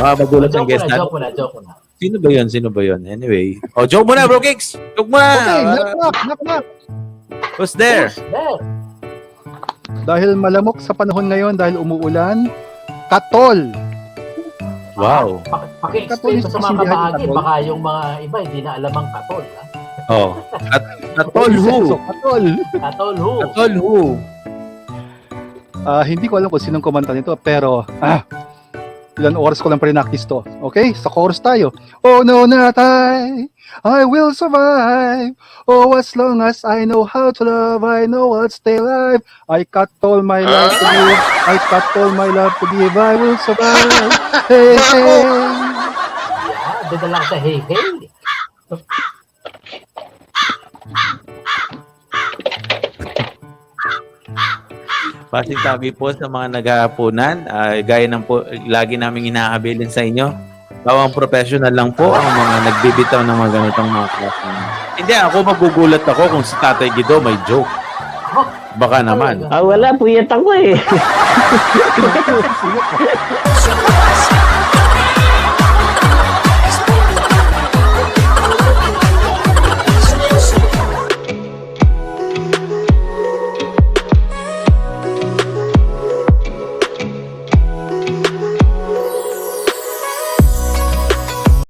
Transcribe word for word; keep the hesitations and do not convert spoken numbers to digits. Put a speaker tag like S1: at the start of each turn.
S1: Baka magulat ang
S2: Joke
S1: guest
S2: mo na,
S1: natin.
S2: joke mo na, joke mo na.
S1: Sino ba yun? Sino ba yun? Anyway. Oh, joke mo na, bro Kicks! Joke mo na!
S3: Okay, knock knock, knock knock.
S1: Who's there?
S2: There.
S3: Dahil malamok sa panahon ngayon, dahil umuulan, katol.
S1: Wow.
S2: Pa- Paki-explain mo sa mga
S3: Katol,
S2: kabahagi.
S3: katol.
S2: Baka yung mga iba hindi na alam ang katol. Ha?
S1: Oh. At Katol who?
S3: So, katol.
S2: Katol who?
S1: Katol who?
S3: Ah, hindi ko alam kung sinong kumanta nito, pero ah, ilan oras ko lang pre-practice to. Okay? Sa chorus tayo. Oh no, not I. I will survive. Oh, as long as I know how to love, I know I'll stay alive. I got all my life to give. I got all my love to give. I will survive. Hey, hey.
S2: Yeah, doon na lang sa hey, hey.
S1: Passing tabi po sa mga naghahaponan. Uh, gaya ng po, lagi naming hinahabilin sa inyo. Bawang professional lang po ang mga nagbibitaw ng mga ganitong mga klase. Hindi, ako magugulat ako kung si Tatay Guido may joke. Baka naman.
S4: Ah, wala, puyat ako eh.